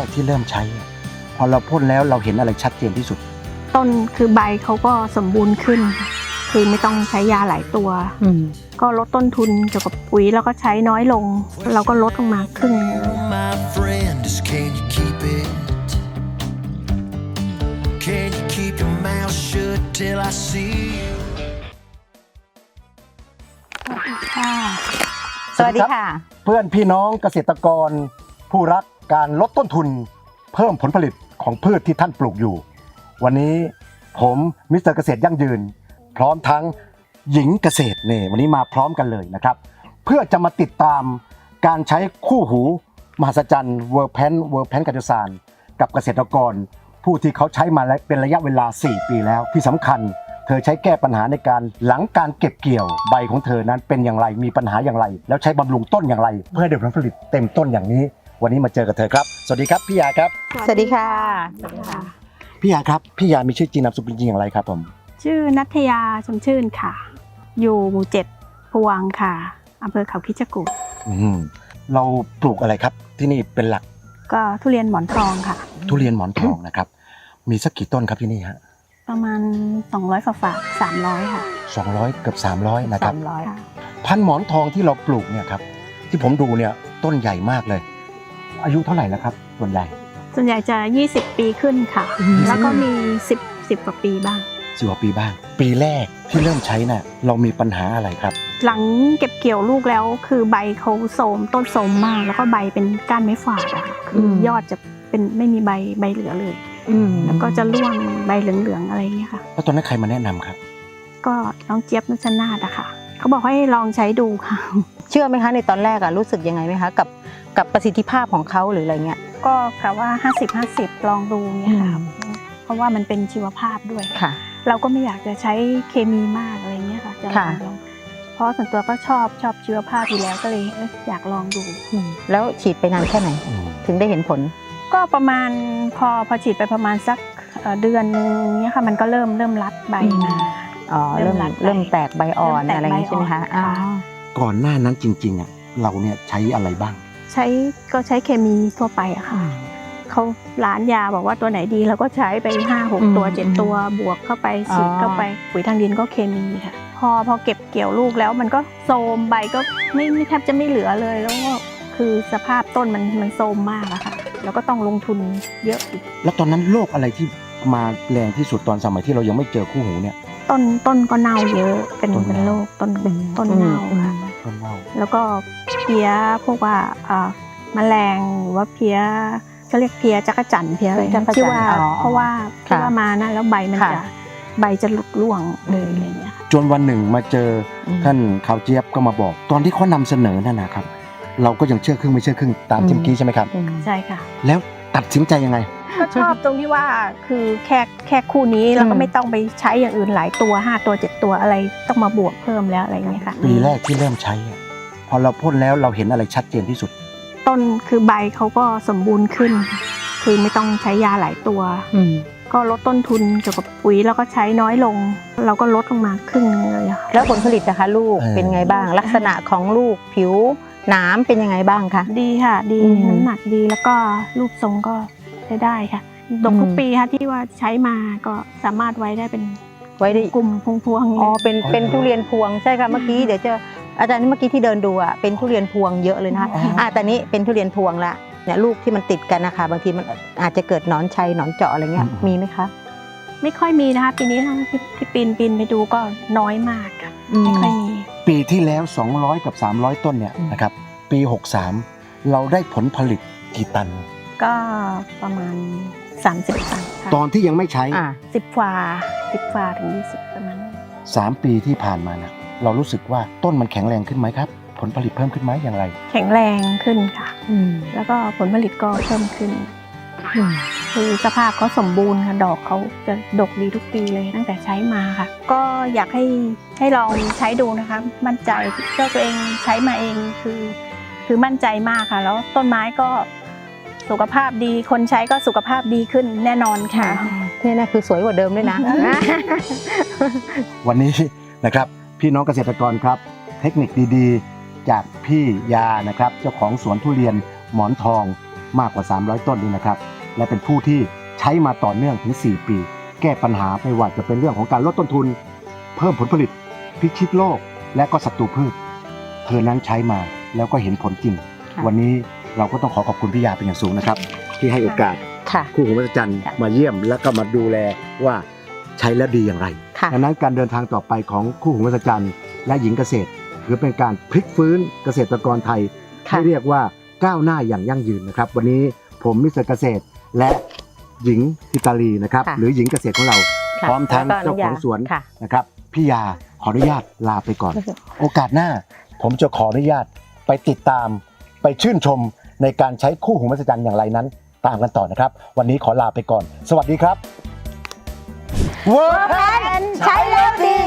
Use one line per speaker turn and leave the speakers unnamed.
กที่เริ่มใช้พอเราพ่นแล้วเราเห็นอะไรชัดเจนที่สุด
ต้นคือใบเขาก็สมบูรณ์ขึ้นค่ะคือไม่ต้องใช้ยาหลายตัวก็ลดต้นทุนเกี่ยวกับปุ๋ยแล้วก็ใช้น้อยลงเราก็ลดลงมาครึ่งนึง
สวัสดีค่ะ
เพื่อนพี่น้องเกษตรกรผู้รักการลดต้นทุนเพิ่มผลผลิตของพืชที่ท่านปลูกอยู่วันนี้ผมมิสเตอร์เกษตรยั่งยืนพร้อมทั้งหญิงเกษตรเนี่ยวันนี้มาพร้อมกันเลยนะครับเพื่อจะมาติดตามการใช้คู่หูมหัศจรรย์เวอร์แพนกัจจสารกับเกษตรกรผู้ที่เขาใช้มาเป็นระยะเวลา4ปีแล้วที่สำคัญเธอใช้แก้ปัญหาในการหลังการเก็บเกี่ยวใบของเธอนั้นเป็นอย่างไรมีปัญหาอย่างไรแล้วใช้บำรุงต้นอย่างไรเพื่อให้ได้ผลผลิตเต็มต้นอย่างนี้วันนี้มาเจอกับเธอครับสวัสดีครับพี่ยาครับ
สวัสดีค่ะ
พี่ยาครับพี่ยามีชื่อจริงนามสกุลจริงอย่างไรครับผม
ชื่อณัฐยาชมชื่นค่ะอยู่หมู่7พวงค่ะอำเภอเขาคิดจกูฏ
เราปลูกอะไรครับที่นี่เป็นหลัก
ก็ทุเรียนหมอนทองค่ะ
ทุเรียนหมอนทองนะครับมีสักกี่ต้นครับที่นี่ฮะ
ประมาณ200ฝา300ค่ะ
200เกือบ300นะครับ
300ค่ะ
พันธุ์หมอนทองที่เราปลูกเนี่ยครับที่ผมดูเนี่ยต้นใหญ่มากเลยอายุเท่าไหร่แล้วครับส่วนใหญ่
จะ20ปีขึ้นค่ะแล้วก็มี10กว่าปีบ้าง
10กว่าปีบ้างปีแรกที่เริ่มใช้น่ะเรามีปัญหาอะไรครับ
หลังเก็บเกี่ยวลูกแล้วคือใบเขาโทรมต้นโทรมมากแล้วก็ใบเป็นก้านไม้ฝาดอะค่ะคือยอดจะเป็นไม่มีใบเหลือเลยแล้วก็จะร่วงใบเหลืองๆอะไรอย่างเงี้ยค่ะ
แล้วตอนนั้นใครมาแนะนำครับ
ก็น้องเจี๊ยบนุชนาธอะค่ะเขาบอกให้ลองใช้ดูค่ะ
เชื่อไหมคะในตอนแรกอะรู้สึกยังไงไหมคะกับประสิทธิภาพของเขาหรืออะไรเงี้ย
ก็กะว่า50-50ลองดูเนี่ยค่ะเพราะว่ามันเป็นชีวภาพด้วย
ค่ะ
เราก็ไม่อยากจะใช้เคมีมากอะไรเงี้ยค่ะจะลองเพราะส่วนตัวก็ชอบชีวภาพอยู่แล้วก็เลยอยากลองดู
แล้วฉีดไปนานแค่ไหนถึงได้เห็นผล
ก็ประมาณพอฉีดไปประมาณสักเดือนนึงเนี้ยค่ะมันก็เริ่มรัดใบมา
เริ่มแตกใบอ่อนอะไรอย่างนี้ใช่ไหมคะ
ก่อนหน้านั้นจริงๆอ่ะเราเนี่ยใช้อะไรบ้าง
ใช้เคมีทั่วไปอะค่ะเขาร้านยาบอกว่าตัวไหนดีเราก็ใช้ไป5-6ตัว7ตัวบวกเข้าไปฉีดเข้าไปปุ๋ยทางดินก็เคมีค่ะพอเก็บเกี่ยวลูกแล้วมันก็โทรมใบก็ไม่แทบจะไม่เหลือเลยแล้วก็คือสภาพต้นมันโทรมมากอะค่ะแล้วก็ต้องลงทุนเยอะอีก
แล้วตอนนั้นโรคอะไรที่มาแรงที่สุดตอนสมัยที่เรายังไม่เจอคู่หูเนี่ย
ต้นก็เน่าเยอะเป็นโรคต้นเน่าค่ะแล้วก็เพี้ยพวกว่าแมลงหรือว่าเพี้ยเขาเรียกเพี้ยจักรจั่นเพี้ยอะไรที่ว่าเพราะว่ามานั่นแล้วใบจะหลุดร่วงเลยอะไรเงี้ย
จนวันหนึ่งมาเจอท่านข่าวเจี๊ยบก็มาบอกตอนที่เขานำเสนอนั่นนะครับเราก็ยังเชื่อครึ่งไม่เชื่อครึ่งตามที่เมื่อกี้ใช่ไหมครับ
ใช่ค่ะ
แล้วตัดสินใจยังไง
ก็ชอบตรงที่ว่าคือแค่คู่นี้เราก็ไม่ต้องไปใช้อย่างอื่นหลายตัว5ตัว7ตัวอะไรต้องมาบวกเพิ่มแล้วอะไรเงี้ยค่ะ
ปีแรกที่เริ่มใช้พอเราพ่นแล้วเราเห็นอะไรชัดเจนที่สุด
ต้นคือใบเขาก็สมบูรณ์ขึ้นคือไม่ต้องใช้ยาหลายตัวก็ลดต้นทุนเกี่ยวกับปุ๋ยแล้วก็ใช้น้อยลงเราก็ลดลงมาครึ่งนึงเลยค่ะ
แล้วผลผลิตนะคะลูกเป็นไงบ้างลักษณะของลูกผิวหนามเป็นยังไงบ้างคะ
ดีค่ะดีน้ำหนักดีแล้วก็รูปทรงก็ใช้ได้ค่ะดกทุกปีค่ะที่ว่าใช้มาก็สามารถไว้ได้กลุ่มพวง
อ๋อเป็นทุเรียนพวงใช่ค่ะเมื่อกี้เดี๋ยวจะอาจารย์เมื่อกี้ที่เดินดูอ่ะเป็นทุเรียนพวงเยอะเลยนะคะแต่นี้เป็นทุเรียนพวงละเนี่ยลูกที่มันติดกันนะคะบางทีมันอาจจะเกิดหนอนชัยหนอนเจาะอะไรเงี้ยมีไหมคะ
ไม่ค่อยมีนะคะปีนี้ที่ปีนไปดูก็น้อยมากค่ะไม่ค่อยมี
ปีที่แล้ว200กับ300ต้นเนี่ยนะครับปี63เราได้ผลผลิตกี่ตัน
ก็ประมาณ30 ตัน
ตอนที่ยังไม่ใช้
10 ฝาถึง20ประมาณ
3 ปีที่ผ่านมานะเรารู้สึกว่าต้นมันแข็งแรงขึ้นไหมครับผลผลิตเพิ่มขึ้นไหมอย่างไร
แข็งแรงขึ้นค่ะแล้วก็ผลผลิตก็เพิ่มขึ้นคือสภาพเขาสมบูรณ์ค่ะดอกเขาจะดกดีทุกปีเลยตั้งแต่ใช้มาค่ะก็อยากให้ลองใช้ดูนะคะมั่นใจเจ้าตัวเองใช้มาเองคือมั่นใจมากค่ะแล้วต้นไม้ก็สุขภาพดีคนใช้ก็สุขภาพดีขึ้นแน่นอนค่ะ
นี่นะคือสวยกว่าเดิมด้วยนะ
วันนี้นะครับพี่น้องเกษตรกรครับเทคนิคดีๆจากพี่ยานะครับเจ้าของสวนทุเรียนหมอนทองมากกว่า300ต้นนี่นะครับและเป็นผู้ที่ใช้มาต่อเนื่องถึง4ปีแก้ปัญหาไม่ว่าจะเป็นเรื่องของการลดต้นทุนเพิ่มผลผลิตพิชิตโรคและก็ศัตรูพืชเธอนั้นใช้มาแล้วก็เห็นผลจริง
ค่ะ
วันนี้เราก็ต้องขอบคุณพี่ยาเป็นอย่างสูงนะครับที่ให้โอกาส
ค่ะ
คู่หูมหัศจรรย์มาเยี่ยมแล้วก็มาดูแลว่าใช้แล้วดีอย่างไร
ค่ะ
ดังนั้นการเดินทางต่อไปของคู่หูมหัศจรรย์และหญิงเกษตรถือเป็นการพลิกฟื้นเกษตรกรไทย
ค่ะ
ที่เรียกว่าก้าวหน้าอย่างยั่งยืนนะครับวันนี้ผมมิสเตอร์เกษตรและหญิงทิตาลีนะครับ
ค่ะ
หรือหญิงเกษตรของเรา
ค่ะ
พร้อมทั้ง
แล้วก็
เจ้าของสวน
ค่ะ
นะครับพี่ยาขออนุญาตลาไปก่อน โอกาสหน้าผมจะขออนุญาตไปติดตามไปชื่นชมในการใช้คู่หูมหัศจรรย์อย่างไรนั้น ตามกันต่อนะครับ วันนี้ขอลาไปก่อน สวัสดีครับ
ใช้แล้วดี